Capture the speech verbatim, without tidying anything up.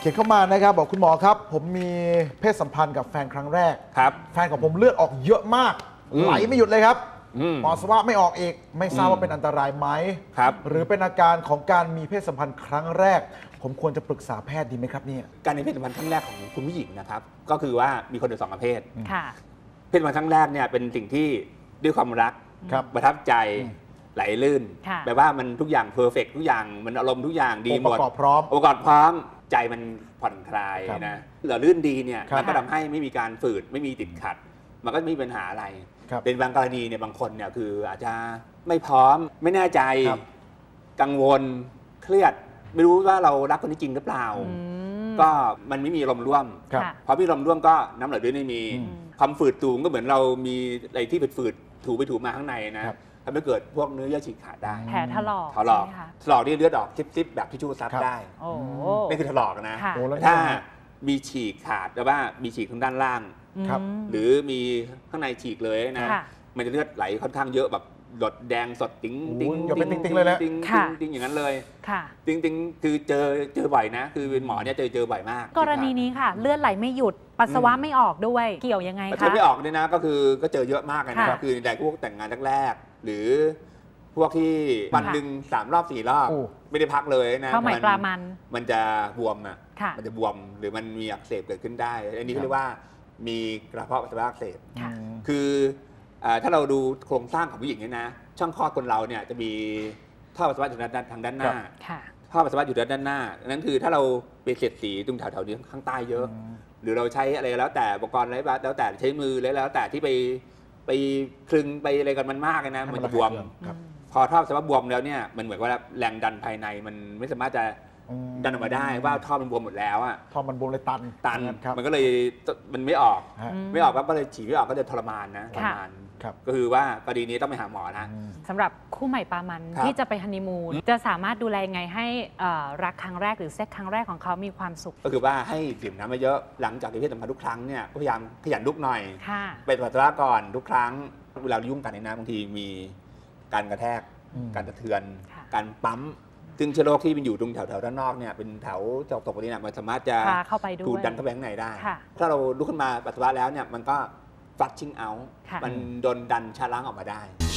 เขียนเข้ามานะครับบอกคุณหมอครับผมมีเพศสัมพันธ์กับแฟนครั้งแรกครับแฟนของผมเลือดออกเยอะมากไหลไม่หยุดเลยครับปัสสาวะไม่ออกอีกไม่ทราบว่าเป็นอันตรายไหมครับหรือเป็นอาการของการมีเพศสัมพันธ์ครั้งแรกผมควรจะปรึกษาแพทย์ดีไหมครับเนี่ยการมีเพศสัมพันธ์ครั้งแรกของคุณผู้หญิงนะครับก็คือว่ามีคนอยู่สองประเภทค่ะเพศสัมพันธ์ครั้งแรกเนี่ยเป็นสิ่งที่ด้วยความรักครับประทับใจไหลลื่นค่ะแปลว่ามันทุกอย่างเพอร์เฟกทุกอย่างมันอารมณ์ทุกอย่างดีหมองค์ดประกอบพร้อมองค์ประกอบพร้อมใจมันผ่อนคลายครับนะเหลือลื่นดีเนี่ยครับมันก็ทำให้ไม่มีการฝืดไม่มีติดขัด มันก็ไม่มีปัญหาอะไรครับเป็นบางกรณีเนี่ยบางคนเนี่ยคืออาจจะไม่พร้อมไม่แน่ใจครับกังวลเครียดไม่รู้ว่าเรารักคนนี้จริงหรือเปล่าอืมก็มันไม่มีลมณ์ร่วมครับค่ะพอพี่ลมร่วมก็น้ำเหลือด้วยไม่มีอืมความฝืดตูงก็เหมือนเรามีอะไรที่ฝืดๆถูไปถูมาข้างในนะครับ ทำให้เกิดพวกเนื้อเยื่อฉีกขาดได้แผลถลอกถลอกใช่ไหมคะถลอกนี่เลือดออกซิบๆแบบที่ชูซับครับได้โอ้นี่คือถลอกนะค่ะโอ้แล้วถ้ามีฉีกขาดแต่ว่ามีฉีกทางด้านล่างครับอืมหรือมีข้างในฉีกเลยนะค่ะมันจะเลือดไหลค่อนข้างเยอะแบบหลดแดงสดติ๊งโอ้ติ๊งยอย่าเป็นติ๊งๆเลยแหละติ๊งค่ะติ๊งอย่างนั้นเลยค่ะติ๊งติ๊งคือเจอเจอบ่อยนะ คือเป็นหมอเนี่ยเจอเจอบ่อยมากกรณีนี้ค่ะ เลือดไหลไม่หยุดปัสสาวะไม่ออกด้วยเกี่ยวยังไงมันคะจะไม่ออกเนี่ยนะก็คือก็เจอเยอะมากเลยนะค่ะคือในพวกแต่งงานแรกๆหรือพวกที่วันหนึ่งสามรอบสี่รอบโอ้ไม่ได้พักเลยนะข้าวใหม่ปลามันมันจะบวมอ่ะค่ะมันจะบวมหรือมันมีอักเสบเกิดขึ้นได้ อันนี้ครับเขาเรียกว่ามีกระเพาะปัสสาวะอักเสบค่ะอืมคือเอ่อถ้าเราดูโครงสร้างของผู้หญิงเนี่ยนะช่องคลอดคนเราเนี่ยจะมีท่อปัสสาวะอยู่ด้านทางด้านหน้าค่ะท่อปัสสาวะอยู่ด้านหน้านั่นคือถ้าเราไปเสียดสีตรงแถวๆนี้ข้างใต้เยอะ หรือเราใช้อะไรแล้วแต่อุปกรณ์อะไรแล้วแต่ใช้มือแล้วแต่ที่ไปไปคลึงไปอะไรกันมันมากเลยนะให้มันจะบวมครับพอท่อปัสสาวะบวมแล้วเนี่ยมันเหมือนว่าแรงดันภายในมันไม่สามารถจะอืมดันออกมาได้ว่าท่อมันบวมหมดแล้วอ่ะท่อมันบวมเลยตันตันครับมันก็เลยมันไม่ออกฮะอืมไม่ออกก็เลยฉีดไม่ออกก็จะทรมานนะทรค่ะมานครับก็คือว่ากรณีนี้ต้องไปหาหมอนะอืมสำหรับคู่ใหม่ปลามันครับที่จะไปฮันนีมูนจะสามารถดูแลยังไงให้เอ่อรักครั้งแรกหรือเซ็กครั้งแรกของเขามีความสุขก็คือว่าให้ดื่มน้ำมาเยอะหลังจากที่เพศสัมพันธ์ทุกครั้งเนี่ยก็พยายามขยันลุกหน่อยค่ะไปปัสสาวะก่อนทุกครั้งเวลายุ่งกันในน้ำบางทีมีการกระแทกอืมการกระเทือนค่ะการปั๊มซึ่งเชื้อโรคที่มันอยู่ตรงแถวๆด้านนอกเนี่ยเป็นแถวจอกตกนี้เนี่ยมันสามารถจะพาเข้าไปด้วยดูดดันเข้าไปข้างในได้ค่ะถ้าเราลุกขึ้นมาปัสสาวะแล้วเนี่ยมันก็ flushing out ค่ะมันโดนดันชะล้างออกมาได้